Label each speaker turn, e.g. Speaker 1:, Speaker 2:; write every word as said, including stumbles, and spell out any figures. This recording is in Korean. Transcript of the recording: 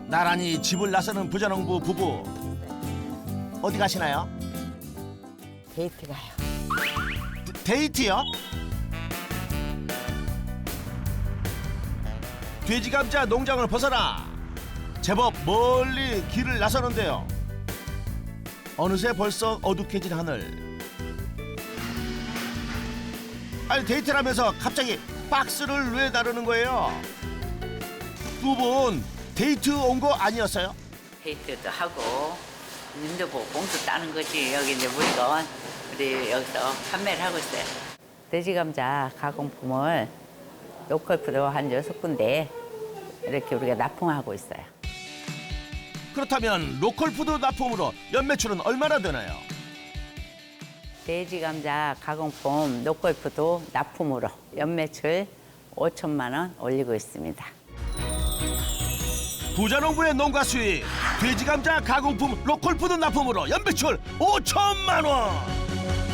Speaker 1: 나란히 집을 나서는 부자농부 부부. 어디 가시나요?
Speaker 2: 데이트 가요.
Speaker 1: 데이트요? 돼지 감자 농장을 벗어나 제법 멀리 길을 나서는데요. 어느새 벌써 어둑해진 하늘. 아니 데이트를 하면서 갑자기 박스를 왜 다루는 거예요? 두 분 데이트 온 거 아니었어요?
Speaker 2: 데이트도 하고 님도 보고 봉투 따는 거지. 여기 이제 물건 우리 여기서 판매를 하고 있어요. 돼지 감자 가공품을 로컬푸드 한 여섯 군데 이렇게 우리가 납품하고 있어요.
Speaker 1: 그렇다면 로컬푸드 납품으로 연매출은 얼마나 되나요?
Speaker 2: 돼지 감자 가공품 로컬푸드 납품으로 연매출 오천만 원 올리고 있습니다.
Speaker 1: 부자농부의 농가 수익 돼지 감자 가공품 로컬푸드 납품으로 연매출 오천만 원.